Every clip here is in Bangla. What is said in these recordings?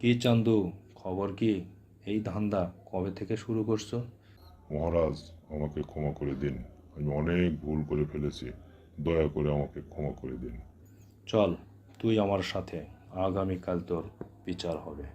কি চান্দু, খবর কি? এই ধান্দা কবে থেকে শুরু করছো? মহারাজ, আমাকে ক্ষমা করে দিন। আমি অনেক ভুল করে ফেলেছি। দয়া করে আমাকে ক্ষমা করে দিন। চল তুই আমার সাথে, আগামীকাল তোর বিচার হবে।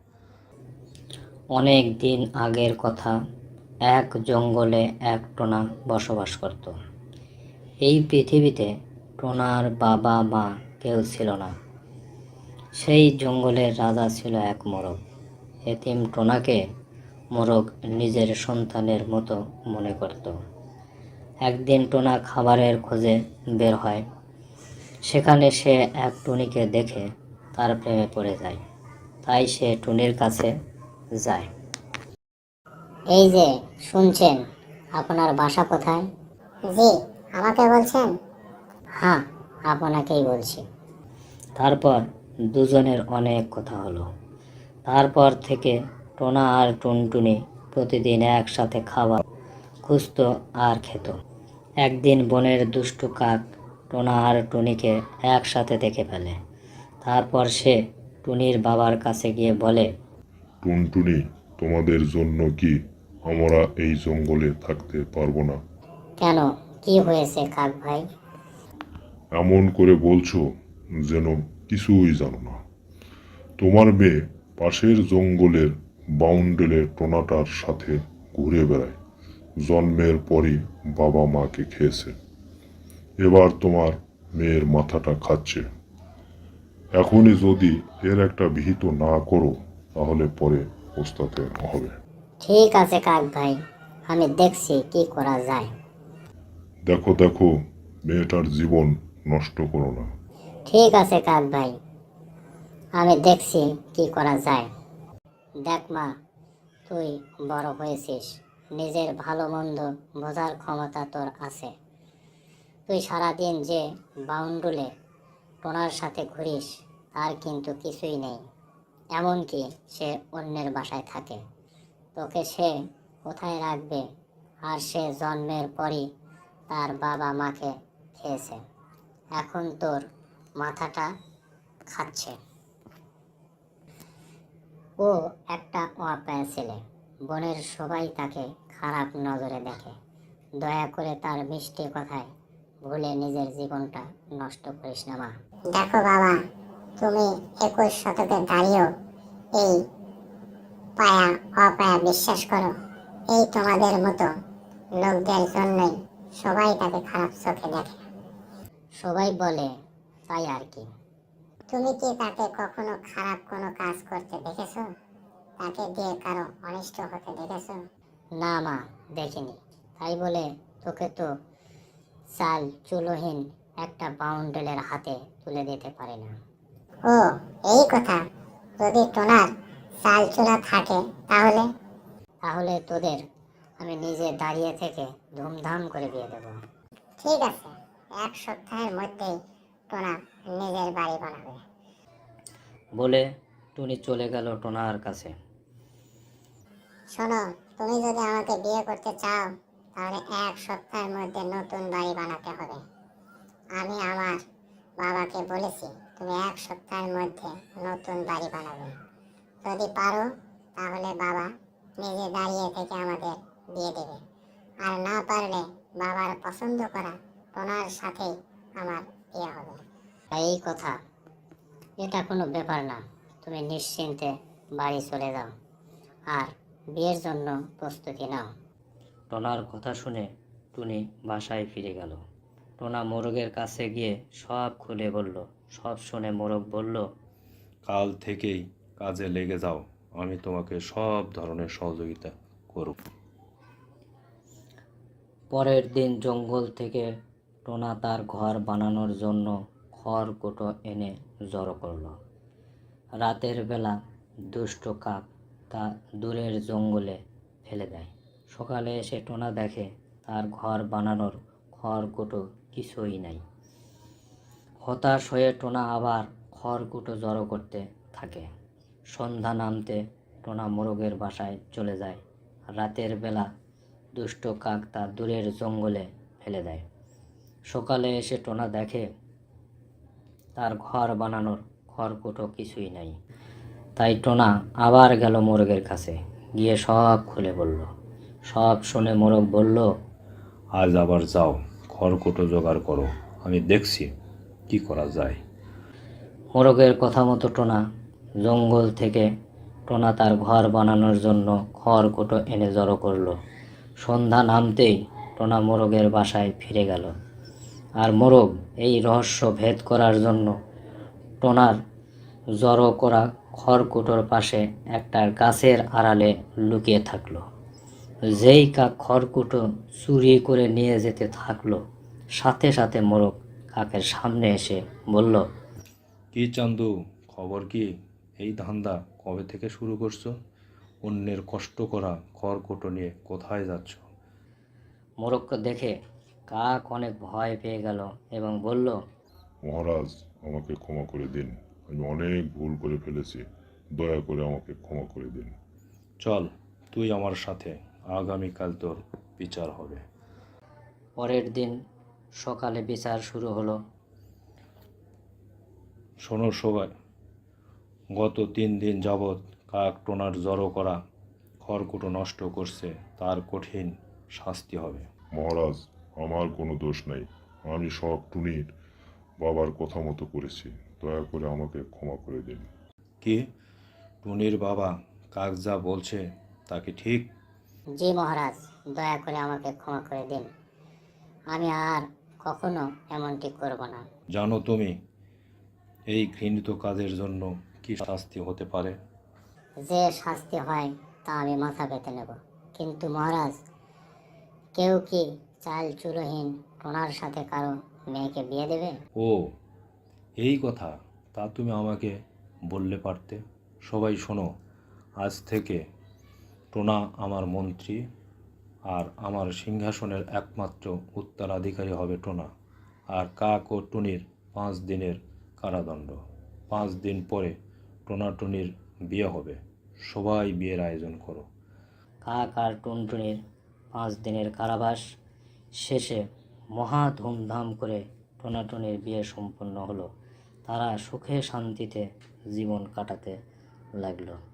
অনেক দিন আগের কথা। এক জঙ্গলে এক টোনা বসবাস করত। এই পৃথিবীতে টোনার বাবা মা কেউ ছিল না। সেই জঙ্গলের রাজা ছিল এক মোরগ। এতিম টোনাকে মোরগ নিজের সন্তানের মতো মনে করত। একদিন টোনা খাবারের খোঁজে বের হয়। সেখানে সে এক টুনিকে দেখে তার প্রেমে পড়ে যায়। তাই সে টুনির কাছে যায়। এই যে শুনছেন, আপনার বাসা কোথায়? জি, আমাকে বলছেন? হ্যাঁ, আপনাকেই বলছি। তারপর দুজনের অনেক কথা হলো। তারপর থেকে টোনা আর টুনটুনি প্রতিদিন একসাথে খাবার খুঁজত আর খেত। একদিন বনের দুষ্টু কাক টোনা আর টুনিকে একসাথে দেখে ফেলে। তারপর সে টুনির বাবার কাছে গিয়ে বলে, টুনটুনি, তোমাদের জন্য কি আমরা এই জঙ্গলে থাকতে পারবো না? কেন, কি হয়েছে কাক ভাই? এমন করে বলছো যেন কিছুই জানো না। তোমার মেয়ে পাশের জঙ্গলের বাউন্ডেলের টোনাটার সাথে ঘুরে বেড়ায়। জন্মের পরই বাবা মাকে খেয়েছে। এবার তোমার মেয়ের মাথাটা খাচ্ছে। এখনই যদি এর একটা বিহিত না করো, তাহলে পরে পস্তাতে হবে। ঠিক আছে কাক ভাই, আমি দেখছি কি করা যায়। দেখো দেখো, মেয়েটার জীবন নষ্ট করো না। ঠিক আছে কাক ভাই, আমি দেখছি কি করা যায়। দেখ মা, তুই বড় হয়েছিস, নিজের ভালো মন্দ বোঝার ক্ষমতা তোর আছে। তুই সারাদিন যে বাউন্ডুলে টোনার সাথে ঘুরিস, তার কিন্তু কিছুই নেই। এমনকি সে অন্যের বাসায় থাকে। তোকে সে কোথায় রাখবে? আর সে জন্মের পরই তার বাবা মাকে খেয়েছে। এখন তোর মাথাটা খাচ্ছে। ও একটা অপায়া ছেলে। বনের সবাই তাকে খারাপ নজরে দেখে। দয়া করে তার মিষ্টি কথায় ভুলে নিজের জীবনটা নষ্ট করিস না মা। দেখো বাবা, তুমি 21 শতকে দাঁড়িয়েও এই পায়া অপায়া বিশ্বাস করো। এই তোমাদের মতো লোকদের জন্যই সবাই তাকে খারাপ চোখে দেখে। সবাই বলে তাই আর কি। তুমি কি তাকে কখনো খারাপ কোনো কাজ করতে দেখেছো? তাকে দিয়ে কারো অনিষ্ট হতে দেখেছো? না মা, দেখিনি। তাই বলে তোকে তো চাল চুলোহীন একটা বাউন্ডেলের হাতে তুলে দিতে পারে না। ও, এই কথা। যদি টোনার চাল চুলা থাকে তাহলে? তাহলে তোদের আমি নিজে দাঁড়িয়ে থেকে ধুমধাম করে বিয়ে দেব। ঠিক আছে, 1 সপ্তাহের মধ্যেই টোনা নিজের বাড়ি বানাবে। বলে টুনি চলে গেল টোনার কাছে। শোনো, তুমি যদি আমাকে বিয়ে করতে চাও, তাহলে 1 সপ্তাহের মধ্যে নতুন বাড়ি বানাতে হবে। আমি আমার বাবাকে বলেছি তুমি 1 সপ্তাহের মধ্যে নতুন বাড়ি বানাবে। যদি পারো তাহলে বাবা নিজে দাঁড়িয়ে থেকে আমাদের বিয়ে দেবে। আর না পারলে বাবার পছন্দ করা টোনার সাথেই আমার বিয়ে হবে। এই কথা, এটা কোনো ব্যাপার না। তুমি নিশ্চিন্তে বাড়ি চলে যাও আর বিয়ের জন্য প্রস্তুতি নাও। টোনার কথা শুনে টুনি বাসায় ফিরে গেল। টোনা মোরগের কাছে গিয়ে সব খুলে বলল। সব শুনে মোরগ বলল, কাল থেকেই কাজে লেগে যাও, আমি তোমাকে সব ধরনের সহযোগিতা করব। পরের দিন জঙ্গল থেকে টোনা তার ঘর বানানোর জন্য খড়কুটো এনে জড়ো করল। রাতের বেলা দুষ্ট কাক তা দূরের জঙ্গলে ফেলে দেয়। সকালে এসে টোনা দেখে তার ঘর বানানোর খড়কুটো কিছুই নাই। হতাশ হয়ে টোনা আবার খড়কুটো জড়ো করতে থাকে। সন্ধ্যা নামতে টোনা মোরগের বাসায় চলে যায়। রাতের বেলা দুষ্ট কাক তা দূরের জঙ্গলে ফেলে দেয়। সকালে এসে টোনা দেখে তার ঘর বানানোর খড়কুটো কিছুই নাই। তাই টোনা আবার গেল মোরগের কাছে, গিয়ে সব খুলে বলল। সব শুনে মোরগ বলল, আজ আবার যাও, খড়কুটো জোগাড় করো, আমি দেখছি কি করা যায়। মোরগের কথা মতো টোনা জঙ্গল থেকে টোনা তার ঘর বানানোর জন্য খড়কুটো এনে জড়ো করলো। সন্ধ্যা নামতেই টোনা মোরগের বাসায় ফিরে গেল। আর মোরগ এই রহস্য ভেদ করার জন্য টোনার জড়ো করা খড়কুটোর পাশে একটা গাছের আড়ালে লুকিয়ে থাকলো। যেই কাক খড়কুটো চুরি করে নিয়ে যেতে থাকলো, সাথে সাথে মোরগ কাকের সামনে এসে বলল, কি চান্দু, খবর কি? এই ধান্দা কবে থেকে শুরু করছো? অন্যের কষ্ট করা খড়কুটো নিয়ে কোথায় যাচ্ছ? মোরগকে দেখে কাক অনেক ভয় পেয়ে গেল এবং বলল, মহারাজ, আমাকে ক্ষমা করে দিন, আমি অনেক ভুল করে ফেলেছি, দয়া করে আমাকে ক্ষমা করে দিন। চল তুই আমার সাথে, আগামীকাল তোর বিচার হবে। পরের দিন সকালে বিচার শুরু হলো। শোনো সবাই, গত 3 দিন যাবৎ কাক টোনার জড়ো করা খড়কুটো নষ্ট করছে, তার কঠিন শাস্তি হবে। মহারাজ, আমার কোনো দোষ নাই, আমি সব টুনির বাবার কথা মতো করেছি, দয়া করে আমাকে ক্ষমা করে দিন। কি, টুনির বাবা কাক যা বলছে তা কি ঠিক? জি মহারাজ, দয়া করে আমাকে ক্ষমা করে দিন, আমি আর কখনো এমনটি করব না। জানো তুমি এই ঘৃণিত কাজের জন্য কি শাস্তি হতে পারে? যে শাস্তি হয় তা আমি মাথা পেতে নেব, কিন্তু মহারাজ, কেউ কি চাল চুলোহীন টোনার সাথে কারো মেয়েকে বিয়ে দেবে? ও, এই কথা, তা তুমি আমাকে বললে পারতে। সবাই শোনো, আজ থেকে টোনা আমার মন্ত্রী, আর আমার সিংহাসনের একমাত্র উত্তরাধিকারী হবে টোনা। আর কাক ও টুনির 5 দিনের কারাদণ্ড। 5 দিন পরে টোনা টুনির বিয়ে হবে। সবাই বিয়ের আয়োজন করো। কাক আর টুনটুনির 5 দিনের কারাবাস শেষে মহা ধুমধাম করে টোনাটুনির বিয়ে সম্পন্ন হলো। তারা সুখে শান্তিতে জীবন কাটাতে লাগলো।